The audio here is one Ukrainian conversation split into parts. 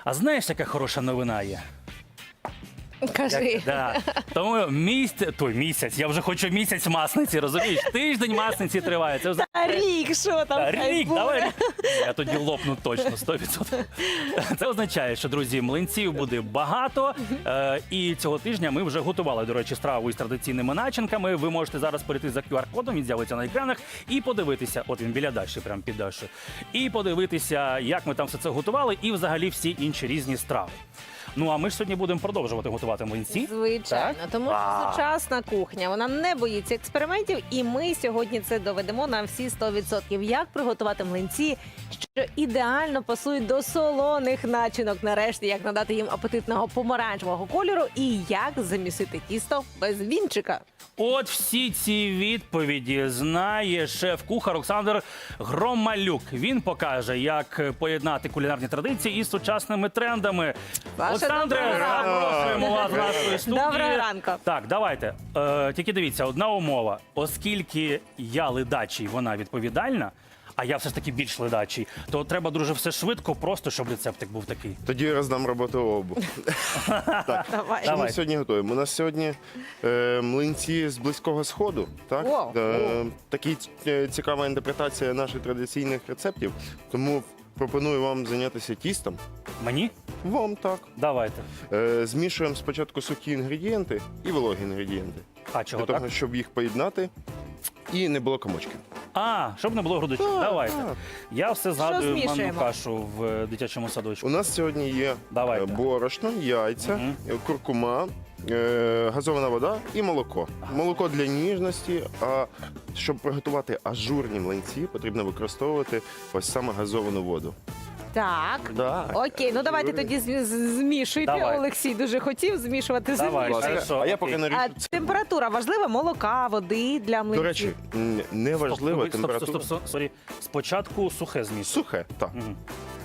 А знаєш, яка хороша новина є? Кажи. Да. Тому місяць, я вже хочу місяць масниці, розумієш? Тиждень масниці триває. Це вже... Та рік, що там? Та, хай рік, буде. давай. Я тоді лопну точно, 100%. Це означає, що, друзі, млинців буде багато. І цього тижня ми вже готували, до речі, страву із традиційними начинками. Ви можете зараз перейти за QR-кодом, він з'явиться на екранах, і подивитися, от він біля Даші, прямо під Дашою, і подивитися, як ми там все це готували, і взагалі всі інші різні страви. Ну, а ми ж сьогодні будемо продовжувати готувати млинці. Звичайно, Так? тому що А. сучасна кухня, вона не боїться експериментів, і ми сьогодні це доведемо на всі 100%. Як приготувати млинці, що ідеально пасують до солоних начинок, нарешті, як надати їм апетитного помаранчевого кольору і як замісити тісто без вінчика. От всі ці відповіді знає шеф-кухар Олександр Громалюк. Він покаже, як поєднати кулінарні традиції із сучасними трендами. Ваше Олександре, доброго ранку. запрошуємо вас в нашої студії. Доброго ранку. Так, давайте. Тільки дивіться, одна умова. Оскільки я ледачий, вона відповідальна, а я все ж таки більш ледачий, то треба дуже все швидко, просто щоб рецептик був такий. Тоді я роздам роботу обу. Давай. Що ми Давай. сьогодні готуємо? У нас сьогодні млинці з Близького Сходу. Так? О, Такі цікава інтерпретація наших традиційних рецептів. Тому пропоную вам зайнятися тістом. Мені? Вам так. Давайте. Змішуємо спочатку сухі інгредієнти і вологі інгредієнти. А чого Для того, так? щоб їх поєднати і не було комочків. А, щоб не було грудочок. Давайте. так. Я все згадую манну змішуємо? кашу в дитячому садочку. У нас сьогодні є Давайте. борошно, яйця, Мгм. куркума, газована вода і молоко. Молоко для ніжності, а щоб приготувати ажурні млинці, потрібно використовувати ось саме газовану воду. Так. Да. Окей, ну давайте Юрій. тоді змішуйте. Давай. Олексій дуже хотів змішувати. Давай. змішуйте. Хорошо, А я окей. поки А наріжу. температура важлива? Молока, води для млинців? До речі, не важлива Стоп, температура. сорі. Спочатку сухе зміст. Сухе, так. Мгм.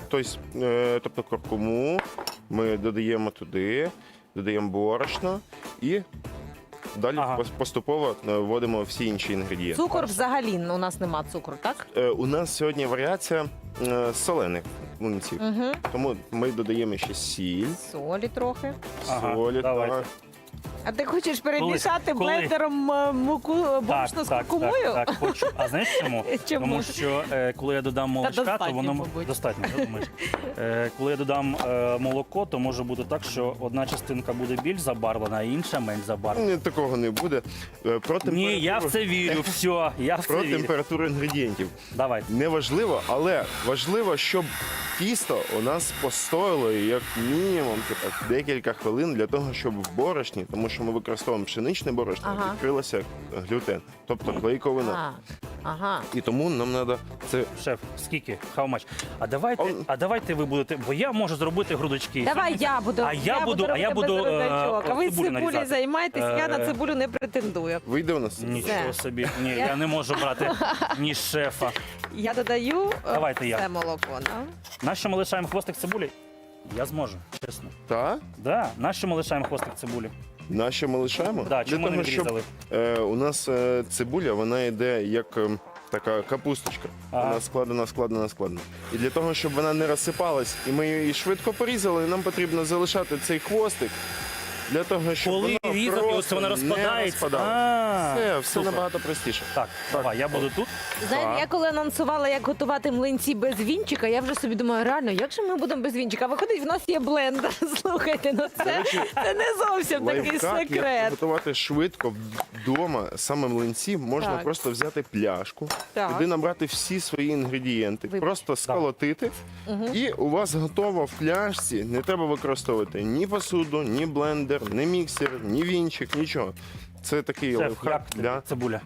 Тобто куркуму ми додаємо туди, додаємо борошно і далі Ага. поступово вводимо всі інші інгредієнти. Цукор взагалі у нас нема цукру, так? У нас сьогодні варіація солених млинців. Угу. Тому ми додаємо ще сіль, Солі трохи. Ага, солі. давайте. Так. А ти хочеш перемішати Коли? блендером муку борошно з куркумою? Так, хочу. А знаєш чому? Чому? Тому що коли я додам молочка, то достатньо, воно мабуть. достатньо, я думаю. Коли я додам молоко, то може бути так, що одна частинка буде більш забарвлена, а інша менш забарвлена. Ні, такого не буде. Про Ні, я в це вірю. Все, я в це Про вірю. температуру інгредієнтів. Давайте. Не важливо, але важливо, щоб тісто у нас постояло як мінімум декілька хвилин для того, щоб в борошні, тому що ми використовуємо пшеничне борошно, Ага. відкрилося глютен, тобто клейковина. Ага. І тому нам треба це. Шеф, скільки? How much? Он- А давайте ви будете, бо я можу зробити грудочки. Давай я буду. А я буду робити без грудочок. А ви цибулю цибулею нарізати. займайтесь, я на цибулю не претендую. Вийде у нас? Нічого Все. собі. Ні, я не можу брати ні шефа. Я додаю Давайте я. це молоко. Да? Нащо ми лишаємо хвостик цибулі? Я зможу, чесно. Так? Да, нащо ми лишаємо хвостик цибулі? Нащо ми лишаємо? Да, чому не того, щоб, відрізали? у нас цибуля, вона йде як така капусточка. Ага. Вона складена. І для того, щоб вона не розсипалась, і ми її швидко порізали, нам потрібно залишати цей хвостик. Для того, щоб Коли воно різати, ось просто вона не розпадається. розпадалось. Все Супер. набагато простіше. Так, давай, я буду тут. Знаєте, Так. я коли анонсувала, як готувати млинці без вінчика, я вже собі думаю, реально, як же ми будемо без вінчика? Виходить, в нас є блендер. Слухайте, ну це не зовсім такий Лайфхак, як секрет. готувати швидко вдома саме млинці, можна Так. просто взяти пляшку, Так. туди набрати всі свої інгредієнти, Вибач. просто сколотити, і у вас готово в пляшці. Не треба використовувати ні посуду, ні блендер, ні міксер, ні вінчик, нічого. Це такий Шеф, лайфхак як для цибуля?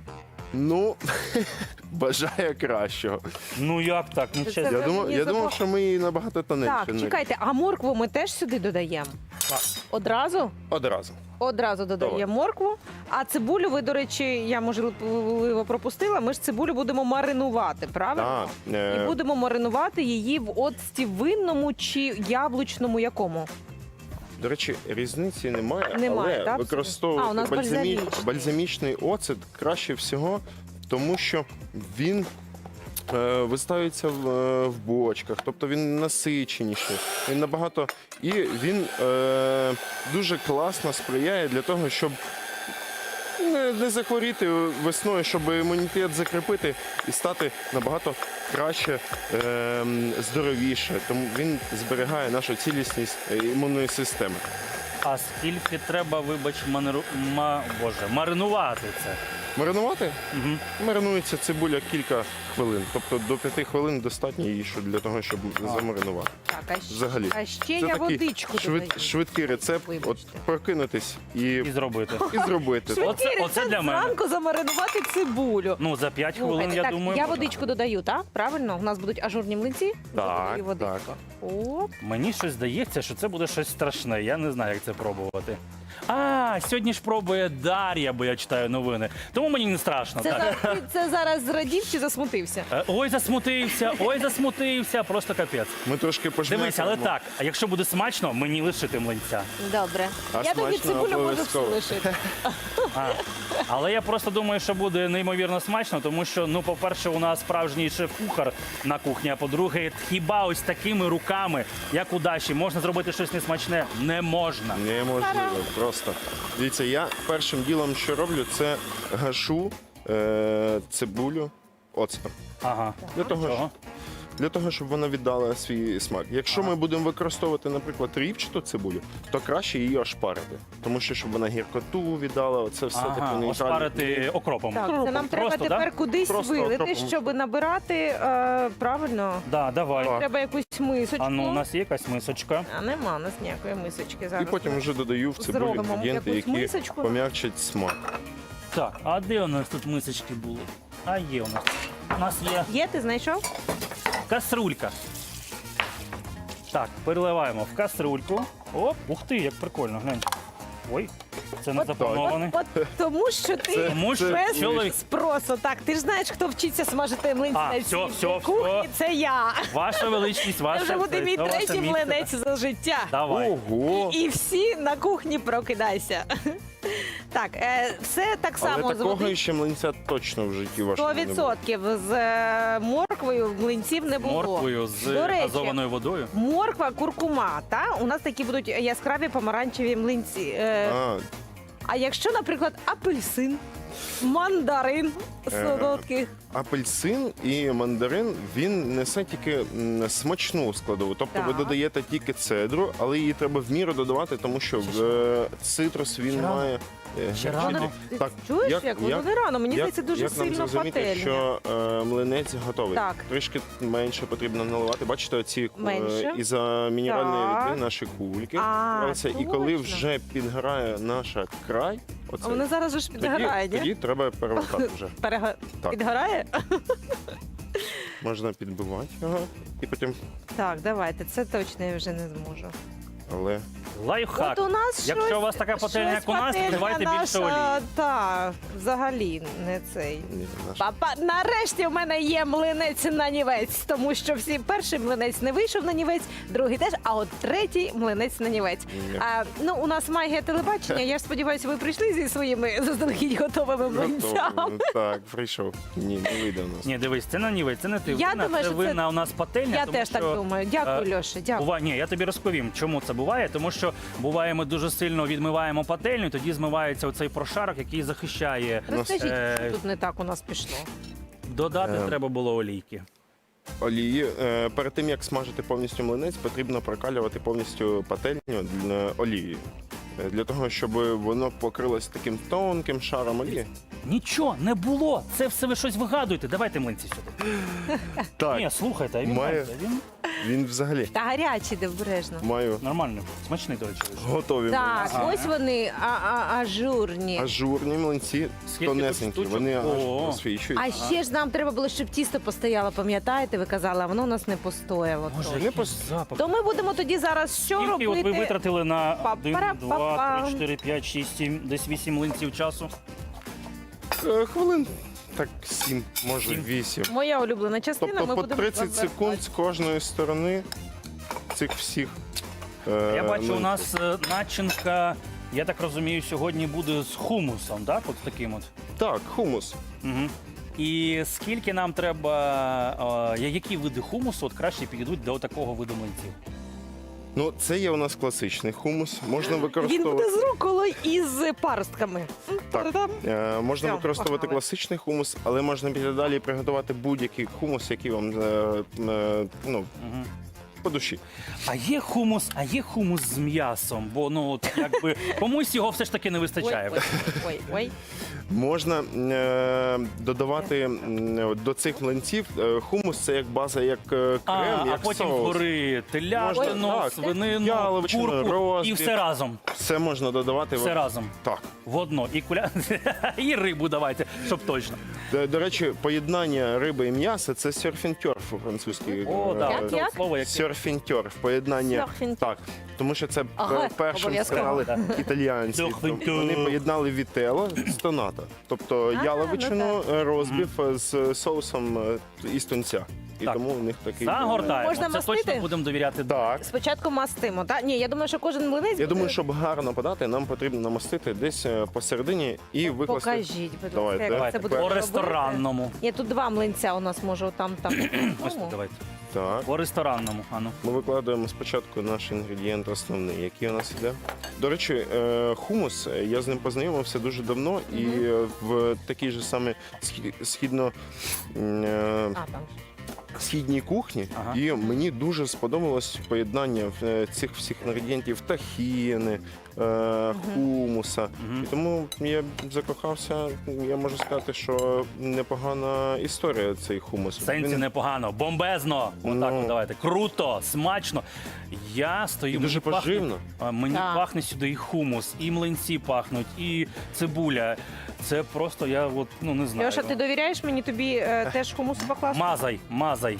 ну бажає кращого. Ну як так? Ну Це чесно. ви мені Я думав, запро- що ми її набагато тоненше. Так, чекайте, а моркву ми теж сюди додаємо? Так. Одразу? Одразу. Одразу додаємо Давай. моркву. А цибулю ви, до речі, я можливо пропустила. Ми ж цибулю будемо маринувати, правильно? Так, І будемо маринувати її в оцті винному чи яблучному якому? До речі, різниці немає, Немає, але так? використовувати А, у нас бальзамічний. бальзамічний оцет краще всього, тому що він виставиться в бочках, тобто він насиченіший, він набагато і він дуже класно сприяє для того, щоб не захворіти весною, щоб імунітет закріпити і стати набагато краще, здоровіше. Тому він зберігає нашу цілісність імунної системи. А скільки треба, вибач, маринувати це? Маринувати? Угу. Маринується цибуля кілька хвилин. Тобто до 5 хвилин достатньо її для того, щоб замаринувати. Так, Взагалі. А ще Це я такий водичку додаю. швидкий рецепт. От Вибачте. прокинутись і І зробити. зробити. Оце для мене. Зранку замаринувати цибулю. Ну, за 5 хвилин, Слухайте, я так, думаю. я можна. водичку додаю, так? Правильно? У нас будуть ажурні млинці. Так, Додаю водичку. так. Оп. Мені щось здається, що це буде щось страшне. Я не знаю, як це пробувати. А, сьогодні ж пробує Дар'я, бо я читаю новини. Тому мені не страшно. Це, Так. це зараз зрадів чи засмутився? Ой, засмутився, просто капець. Ми трошки пожмякаємо. Дивись, але так, а якщо буде смачно, мені лишити млинця. Добре. А Я тобі смачно цибулю можу обов'язково. лишити. Але я просто думаю, що буде неймовірно смачно, тому що, ну, по-перше, у нас справжній шеф-кухар на кухні, а по-друге, хіба ось такими руками, як у Даші, можна зробити щось несмачне? Не можна. Неможливо, просто. Дивіться, я першим ділом, що роблю, це гашу цибулю оцтом. Ага. Для того, щоб вона віддала свій смак. Якщо ми будемо використовувати, наприклад, рівчату цибулю, то краще її ошпарити. Тому що, щоб вона гіркоту віддала, оце все таке Ага, нейтральне. ошпарити окропом. Так, це нам треба Просто, тепер да? кудись Просто вилити, окропом. щоб набирати правильно. Да, давай. Так. Треба якусь мисочку. А ну, у нас є якась мисочка. А нема у нас ніякої мисочки зараз. І потім вже додаю в цибулю Зробимо інгредієнти, якусь які мисочку. пом'якчать смак. Так, а де у нас тут мисочки були? А є у нас. У нас є Є, ти знайшов? каструлька. Так, переливаємо в каструльку. Оп, ух ти, як прикольно, глянь. Ой, це не заплановане. От тому, що ти Тому що без чоловік. спросу. Так, ти ж знаєш, хто вчиться смажити млинці А, на все, всій все, кухні, все. це я. Ваша величність, Це ваша. вже буде мій це ваше третій місце. млинець за життя. Давай. Ого! І всі на кухні прокидайся. Так, все так само Але з такого води. ще млинця точно в житті вашому не було. 100% з морквою млинців не було. Морквою з До речі, газованою водою. морква, куркума, та? У нас такі будуть яскраві помаранчеві млинці. А якщо, наприклад, апельсин, мандарин солодкий. Апельсин і мандарин, він несе тільки смачну складову. Тобто ви Так. додаєте тільки цедру, але її треба в міру додавати, тому що цитрус він Ще рано. має. Ще гірчити. рано. Ти Так, чуєш, як воно не рано? Мені як- здається, дуже як нам сильно зрозуміти, пательня. що млинець готовий? Так. Трішки менше потрібно наливати. Бачите, оці Менше. із-за мінеральної Так. рідини наші кульки. А, збираються. І коли точно. вже підгорає наша край, А воно зараз же ж підгорає, ні? тоді треба перевертати вже. Так. Підгорає? Можна підбивати його і потім. Так, давайте, це точно я вже не зможу. Але Лайфхак. От у нас Якщо щось, у вас така пательня, щось як у нас, пательня додавайте більше наша, олії. Так, взагалі не цей. ні, наш Папа, нарешті в мене є млинець на нівець, тому що всі перший млинець не вийшов на нівець, другий теж, а от третій млинець на нівець. Ні. Ну, у нас магія телебачення. Я ж сподіваюся, ви прийшли зі своїми заздалегідь готовими млинцями. готовий. Так, прийшов. Ні, не вийде у нас. Ні, дивись, це на нівець, це не ти. Я винна, думаю, це що це- винна у нас пательня. Я тому теж так що, думаю. Дякую, Льоша, дякую. Ні, я тобі розповім, чому це буває. Тому що буває, ми дуже сильно відмиваємо пательню, тоді змивається оцей прошарок, який захищає. Розкажіть, Е, що тут не так у нас пішло. Додати треба було олійки. Олії. Перед тим як смажити повністю млинець, потрібно прокалювати повністю пательню олією. Для того, щоб воно покрилось таким тонким шаром олії. Нічого не було. Це все ви щось вигадуєте. Давайте млинці сюди. Так, Ні, слухайте, а він, Має- він він взагалі Та гарячий, де обережно. маю нормально, смачний, до речі. готові Так, млинці. Ага. ось вони ажурні. Ажурні млинці, Скільки тонесенькі, тут штучок? вони аж О. просвічують. А ще ж нам треба було, щоб тісто постояло, пам'ятаєте, ви казали, а воно у нас не постояло. Боже, трохи. який запах. То ми будемо тоді зараз що Скільки от ви робити? витратили на 1, 2, Па-пара-па-пам. 3, 4, 5, 6, 7, десь 8 млинців часу? Хвилин так 7, може 7. 8. Моя улюблена частина. Тобто ми по будемо 30 розвертати. секунд з кожної сторони цих всіх. Я бачу, у млинців. нас начинка, я так розумію, сьогодні буде з хумусом, так? От таким от. Так, хумус. Угу. І скільки нам треба, які види хумусу от краще підійдуть до такого виду млинців? Ну, це є у нас класичний хумус. Можна Він використовувати. буде з руколою і з паростками. Так. Та-дам. Можна Все, використовувати погнали. класичний хумус, але можна піти далі і приготувати будь-який хумус, який вам ну, Мгм. по душі. А є хумус з м'ясом, бо ну от якби комусь його все ж таки не вистачає. Ой. Можна додавати до цих млинців хумус, це як база, як крем, А як потім соус. згори телятину, Можна, так. свинину, Яловичину, курку і розбіг. все разом. Все можна додавати. Все разом. Так. В одно. І і рибу давайте, щоб точно. До речі, поєднання риби і м'яса це серфінтьорф у-французькій. О, так, Як? це слово як Серфінтьорф, поєднання. Серфінтьорф. Так, тому що це Ага, першим обов'язково. стали італіянці. Серфінтьорф. Вони поєднали вітело з тонато. Тобто яловичину, розбив з соусом із тунця. І Так. тому у них такий. Загортаємо. Можна Це мастити? точно будемо довіряти. Так. Спочатку мастимо, так? Ні, я думаю, що кожен млинець Я буде... думаю, щоб гарно подати, нам потрібно намастити десь посередині і викласти. Покажіть, будь ласка, Давайте. як Давайте це буде по робити. ресторанному. Ні, тут два млинця у нас, може, там. Ось тут давайте. Так. По ресторанному. Ану. Ми викладаємо спочатку наш інгредієнт основний, який у нас іде. До речі, хумус, я з ним познайомився дуже давно, і в такій же саме східно Там. східній кухні, Ага. і мені дуже сподобалось поєднання цих всіх інгредієнтів тахіни, хумуса. Мгм. І тому я закохався. Я можу сказати, що непогана історія цей хумус. В сенсі Він непогано, бомбезно. Отак, Ну. от давайте. Круто, смачно. Я стою. і дуже мені пахне- поживно. Мені Так. пахне сюди і хумус, і млинці пахнуть, і цибуля. Це просто я от, ну не знаю. Льоша, ти довіряєш мені тобі теж хумусу покласти? Мазай.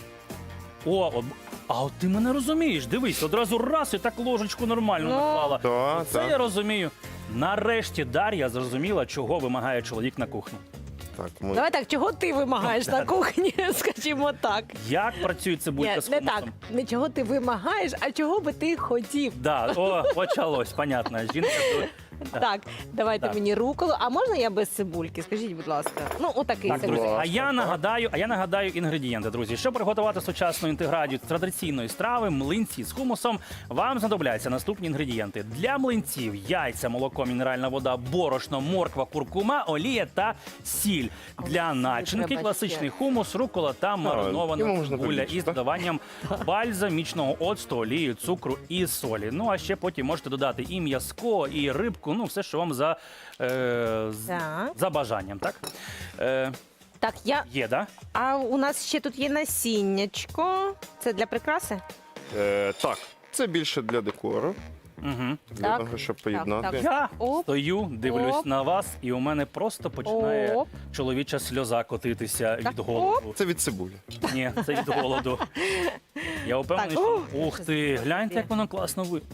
А от ти мене розумієш. Дивись, одразу раз і так ложечку нормально Ну. наклала. Так, Це так. я розумію. Нарешті Дар'я зрозуміла, чого вимагає чоловік на кухні. Так, ми... Давай так, чого ти вимагаєш на кухні, скажімо так. Як працює цибулька Ні, з не хумусом? так. Не чого ти вимагаєш, а чого би ти хотів. Да, почалось, понятно. Жінка Так, давайте Так. мені руколу. А можна я без цибульки? Скажіть, будь ласка. Ну, отакий Так, друзі, цибулька. а я нагадаю інгредієнти, друзі. Щоб приготувати сучасну інтеграцію традиційної страви, млинці з хумусом, вам знадобляться наступні інгредієнти. Для млинців яйця, молоко, мінеральна вода, борошно, морква, куркума, олія та сіль. Для начинки треба класичний ще. хумус, рукола та йому маринована можна цибуля побільше, із так? додаванням бальзамічного оцту, олії, цукру і солі. Ну а ще потім можете додати і м'язко, і рибку, ну все, що вам Так. за бажанням, так? Так, Є, да? а у нас ще тут є насіннячко. Це для прикраси? Так, це більше для декору, Угу. для Так. того, щоб поєднати. так. Я Оп. стою, дивлюсь Оп. на вас, і у мене просто починає Оп. чоловіча сльоза котитися Так, від голоду. Це від цибулі. Ні, це від голоду. Я впевнений, Так, що ух ти, гляньте, як воно класно ви.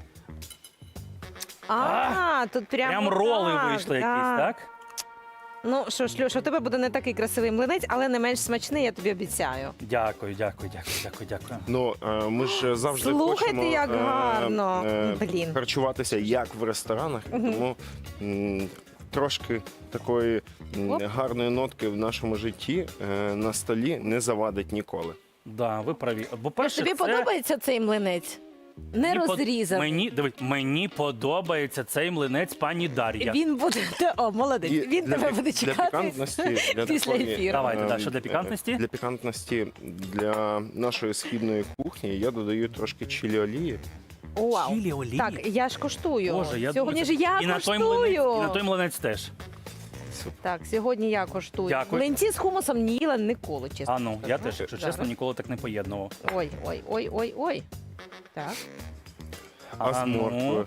Тут прямо Прям роли так, вийшли якісь, так? Ну що ж, Льоша, у тебе буде не такий красивий млинець, але не менш смачний, я тобі обіцяю. Дякую. Ну, ми ж завжди Слухайте, хочемо як гарно. Блін. харчуватися як в ресторанах, і тому трошки такої Оп. гарної нотки в нашому житті на столі не завадить ніколи. Да, ви праві. Бо перше, Тобі це... подобається цей млинець? Не Мені под- розрізаний. Мені подобається цей млинець пані Дар'я. Він буде. О, молодець. І Він тебе буде для чекати. пікантності, для після такої, ефіру. Давайте, е, да, що для пікантності? Для пікантності для нашої східної кухні я додаю трошки чилі олії. Вау. Чилі олії? Так, я ж коштую. Боже, я Сьогодні думаю, ж я і на той коштую. і на той млинець теж. Так, сьогодні я коштую. Дякую. Млинці з хумусом не їла ніколи, чесно. А ну, я теж, якщо Зараз. чесно, ніколи так не поєднував. Ой. Так. А з А ну. морквою.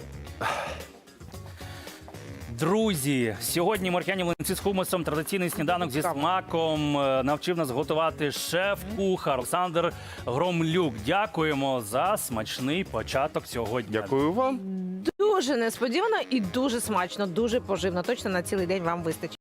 Друзі, сьогодні моркяні млинці з хумусом, традиційний сніданок зі Цікаво. смаком навчив нас готувати шеф-кухар Олександр Громлюк. Дякуємо за смачний початок сьогодні. Дякую вам. Дуже несподівано і дуже смачно, дуже поживно. Точно на цілий день вам вистачить.